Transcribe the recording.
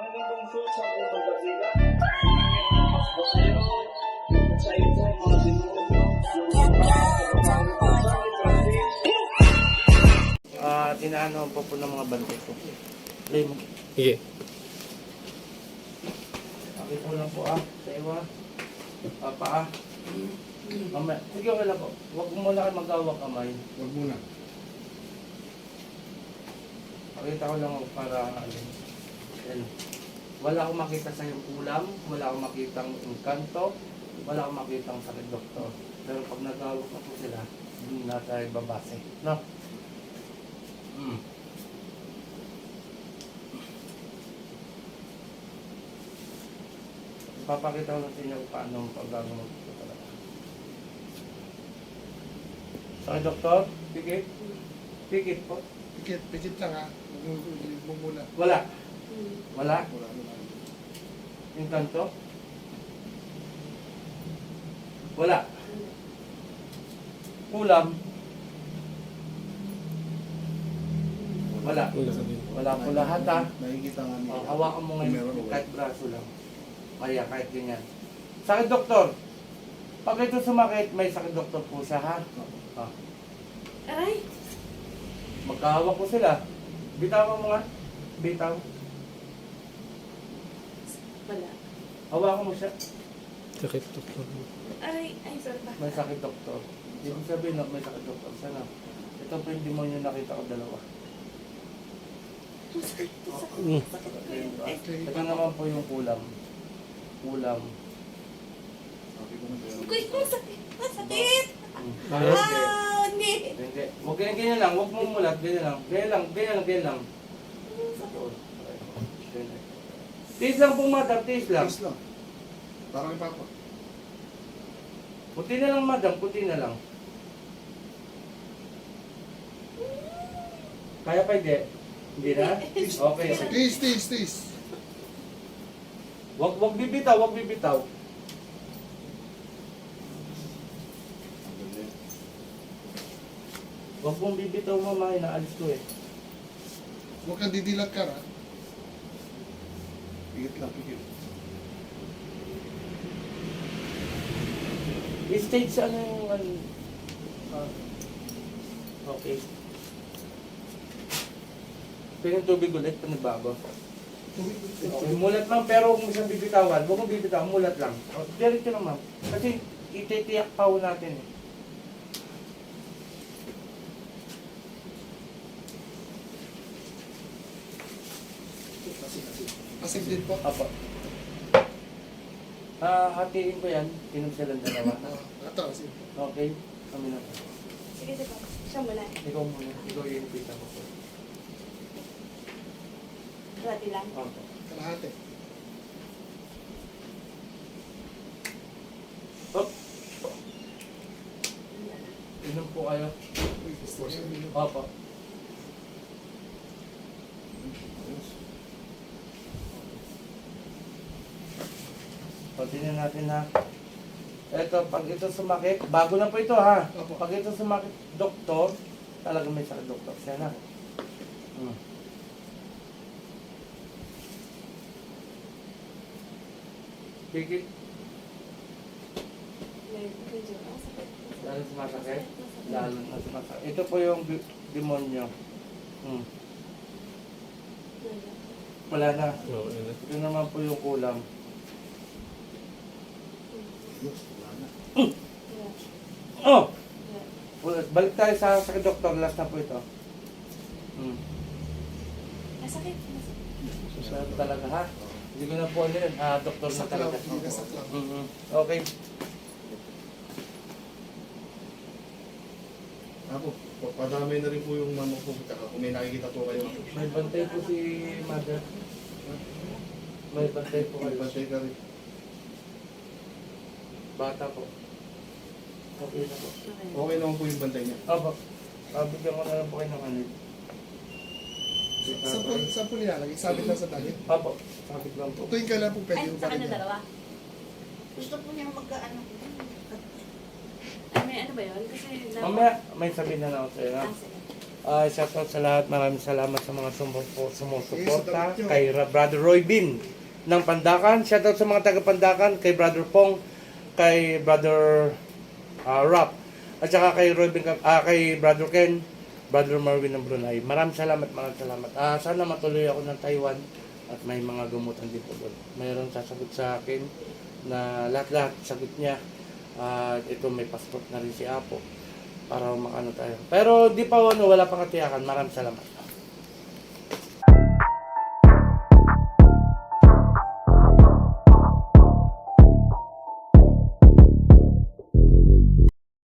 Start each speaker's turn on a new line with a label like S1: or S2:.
S1: lungsod sa unang basila. Mas basero, sa ito ay mga demonyo, tinaano po ng mga bantay ko. Play mo.
S2: Sige.
S1: Okay po lang po sa iwa. Paa. Mamaya. Sige, okay lang po. Huwag mo muna kayo mag-awak kamay.
S3: Huwag muna.
S1: Pakita ko lang para yan. Wala akong makita sa iyong ulam, wala akong makitang engkanto, wala akong makitang sakit doktor. Pero pag nag-awak na po sila, hindi na tayo babase. No? Ipapakita ko lang sa inyo kung paano ang pag-gagawin ko talaga. Sakit doktor? Pikit? Pikit po?
S3: Pikit lang ha. Huwag muna.
S1: Wala. Wala?
S3: Wala.
S1: Engkanto? Wala. Ulam? Wala. Wala po lahat
S3: Nakikita nga niya.
S1: hawakan mo ngayon
S3: Meron o
S1: kahit braso lang. Kaya kahit ganyan. Sakit doktor. Pag ito sumakit, may sakit doktor po siya ha.
S4: Aray!
S1: Magkahawak ko sila. Bitawan mo nga. Bitaw.
S4: Wala.
S1: Hawakan mo siya.
S2: Sakit doktor.
S4: Aray! Ay, sorry ba?
S1: May sakit doktor. Ibig sabihin na may sakit doktor. Sana. Ito po yung demonyo nakita ko dalawa.
S4: Sakit
S2: Mm.
S4: Ay,
S1: Ito naman po yung kulam. Kulam.
S4: Uy, masakit! Masakit!
S1: Bakit?
S4: Ah, hindi!
S1: Hindi. Huwag ganyan lang. Huwag mo mulat. Ganyan lang. Ganyan lang. Tiis lang pong madam. Tiis lang.
S3: Please lang. Parang ni Papa.
S1: Puti na lang madam. Puti na lang. Kaya pa hindi? Hindi na? Okay.
S3: Tis.
S1: Wag bibitaw. Wag mong bibitaw mama, inaalis ko eh.
S3: Huwag kang didilat ka ha. Pikit lang, pikit.
S1: Stage ano yung okay. Tingnan tubig ulit, panibago. Okay, mulat lang pero huwag mo siyang bibitawan. Huwag mong bibitawan, mulat lang. Diretso naman. Kasi ititiyak pa ho natin eh.
S3: Asig din po.
S1: Apo. Hatiin ko yan. Inom silang dalawa.
S3: Ito, asig.
S1: Okay? Kami na.
S4: Sige, sige. Siya muna.
S1: Ikaw muna. Ikaw yung pita ko.
S4: Rati lang.
S1: Okay.
S3: Kalahati.
S1: Hop. Inom po kayo.
S3: Uy, gusto siya.
S1: Opo. Tingnan natin ha. Ito, pag ito sumakit, bago na po ito ha.
S3: Opo.
S1: Pag ito sumakit, doktor, talaga may sakit doktor siya na. Pikit,
S4: Medyo masakit.
S1: lalo sumasakit. Lalo na sumasakit. Ito po yung demonyo. Wala na.
S2: Oo, yun na.
S1: Ito naman po yung kulam. Oh! Balik tayo sa sakit doktor. Last na po ito.
S4: Masakit.
S1: Masakit talaga ha. Hindi ko na po ano yun. Doktor na
S3: Saklaw.
S1: talaga.
S3: Hindi ka saklaw.
S1: Okay.
S3: Ako, padamay na rin po yung mama ko. Kung may nakikita po kayo.
S1: May bantay po si mother. May bantay po
S3: May
S1: kayo.
S3: patay ka rin.
S1: Bata po. Okay na po.
S3: Okay naman po yung bantay niya.
S1: Opo. Bigyan ko na lang po kayo ng anid.
S3: Saan po nilalagay? Sabit lang sa dalit.
S1: Opo. Sabit lang po.
S3: Tuwing kailan po pwede
S4: Ay,
S3: yung
S4: sa
S3: balik
S4: kanya
S3: niya?
S4: dalawa. Gusto po niya magkaano. Ay, may ano ba yun? Kasi
S1: Mamaya, may sabihin na lang ako sa'yo. Ha?
S4: sige.
S1: Shoutout sa lahat. Maraming salamat sa mga sumusuporta. Kay Brother Roy Bin ng Pandakan. Shoutout sa mga taga Pandakan. Kay Brother Pong. Kay Brother Rap. At saka kay Roy Bin, kay Brother Ken. Brother Marvin ng Brunei. Maraming salamat. Sana matuloy ako ng Taiwan. At may mga gamutan din po doon. Mayroon sasagot sa akin na lahat-lahat sagot niya. At ito may passport na rin si Apo para makano tayo. Pero di pa wala pang katiyakan. Maraming salamat.